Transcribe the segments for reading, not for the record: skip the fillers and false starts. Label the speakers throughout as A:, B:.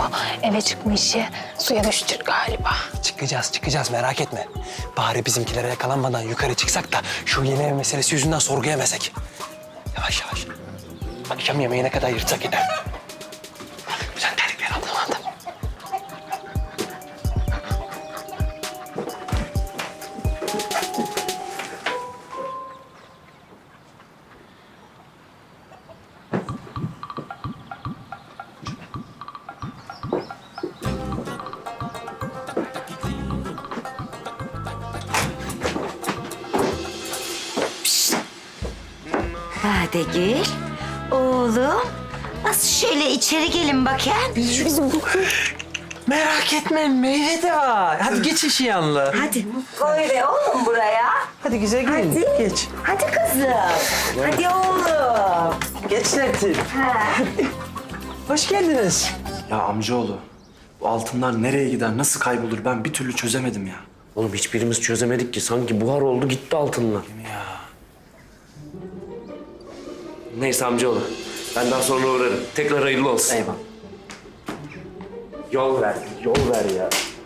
A: eve çıkma işi suya düştü galiba.
B: Çıkacağız merak etme. Bari bizimkilere yakalanmadan yukarı çıksak da şu yeni ev meselesi yüzünden sorguya yemesek. Yavaş. Akşam yemeğine kadar yırtsak yine. Sen terlikleri al tamam.
C: Hadi gel. Oğlum. Nasıl şöyle içeri gelin bakayım.
B: Merak etme meyve de var. Hadi geç işi yanlı.
C: Hadi koy be oğlum buraya.
B: Hadi güzel gelin.
C: Hadi.
B: Geç.
C: Hadi kızım. Hadi oğlum.
B: Geç Sertin. Hoş geldiniz.
D: Ya amcaoğlu, bu altınlar nereye gider, nasıl kaybolur ben bir türlü çözemedim ya.
E: Oğlum hiçbirimiz çözemedik ki. Sanki buhar oldu gitti altınlar. Neyse amcaoğlu. Ben daha sonra uğrarım. Tekrar hayırlı olsun.
D: Eyvallah.
E: Yol ver ya.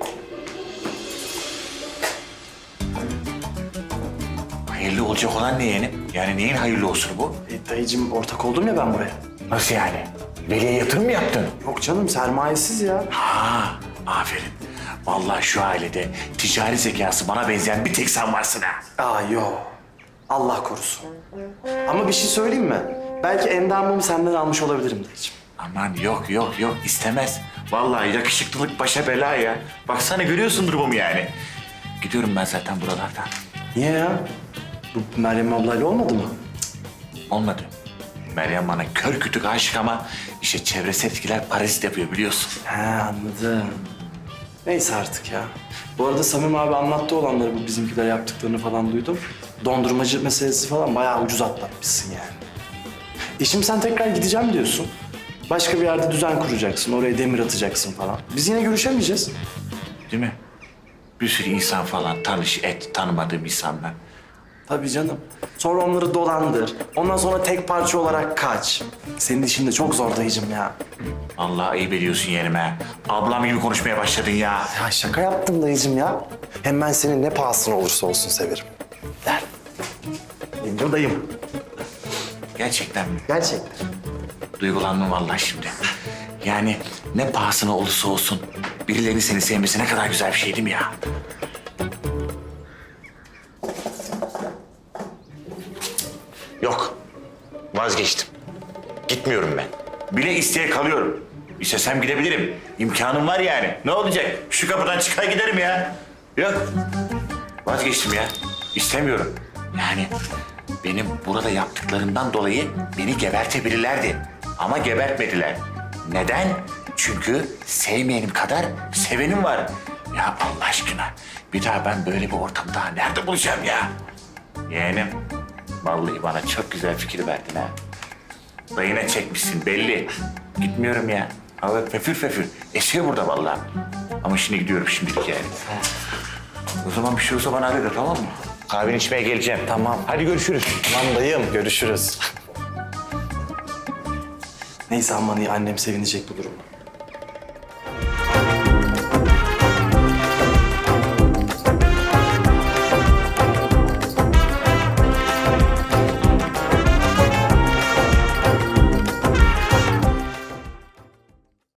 F: Hayırlı olacak olan ne yeğenim? Yani neyin hayırlı olsun bu?
D: Dayıcığım ortak oldum ya ben buraya.
F: Nasıl yani? Veli'ye yatırım mı yaptın?
D: Yok canım sermayesiz ya.
F: Ha, aferin. Vallahi şu ailede ticari zekası bana benzeyen bir tek sen varsın ha.
D: Aa yok. Allah korusun. Ama bir şey söyleyeyim mi? Belki endamımı senden almış olabilirim dayıcığım.
F: Aman yok istemez. Vallahi yakışıklılık başa bela ya. Baksana görüyorsun durumumu yani. Gidiyorum ben zaten buralardan.
D: Niye ya? Bu Meryem ablayla olmadı mı?
F: Olmadı. Meryem bana kör kütük aşık ama işte çevresel etkiler parazit yapıyor biliyorsun.
D: He anladım. Neyse artık ya. Bu arada Samim abi anlattı olanları bu bizimkiler yaptıklarını falan duydum. Dondurmacı meselesi falan bayağı ucuz atlatmışsın yani. Şimdi sen tekrar gideceğim diyorsun. Başka bir yerde düzen kuracaksın, oraya demir atacaksın falan. Biz yine görüşemeyeceğiz.
F: Değil mi? Bir sürü insan falan tanış et, tanımadığım insanlar.
D: Tabii canım. Sonra onları dolandır. Ondan sonra tek parça olarak kaç. Senin işin de çok zor dayıcım ya.
F: Allah ayıp ediyorsun yerime. Ablam gibi konuşmaya başladın ya.
D: Ya şaka yaptım dayıcım ya. Hem ben senin ne pahasına olursa olsun severim. Der. Buradayım.
F: Gerçekten mi?
D: Gerçekten.
F: Duygulandım vallahi şimdi. Yani ne pahasına olursa olsun birilerinin seni sevmesi ne kadar güzel bir şey değil mi ya? Yok. Vazgeçtim. Gitmiyorum ben. Bile isteye kalıyorum. İstesem gidebilirim. İmkanım var yani. Ne olacak? Şu kapıdan çıkar giderim ya. Yok. Vazgeçtim ya. İstemiyorum. Yani benim burada yaptıklarımdan dolayı beni gebertebilirlerdi. Ama gebertmediler. Neden? Çünkü sevmeyenim kadar sevenim var. Ya Allah aşkına bir daha ben böyle bir ortamda nerede bulacağım ya? Yeğenim, vallahi bana çok güzel fikir verdin ha. Dayına çekmişsin belli. Gitmiyorum ya. Hava fefür. Esiyor burada vallahi. Ama şimdi gidiyorum şimdilik yani. O zaman bir şey olsa bana arada tamam mı? Kahveni içmeye geleceğim.
D: Tamam.
F: Hadi görüşürüz.
D: Tamam dayım, görüşürüz. Neyse aman iyi, annem sevinecek bu duruma.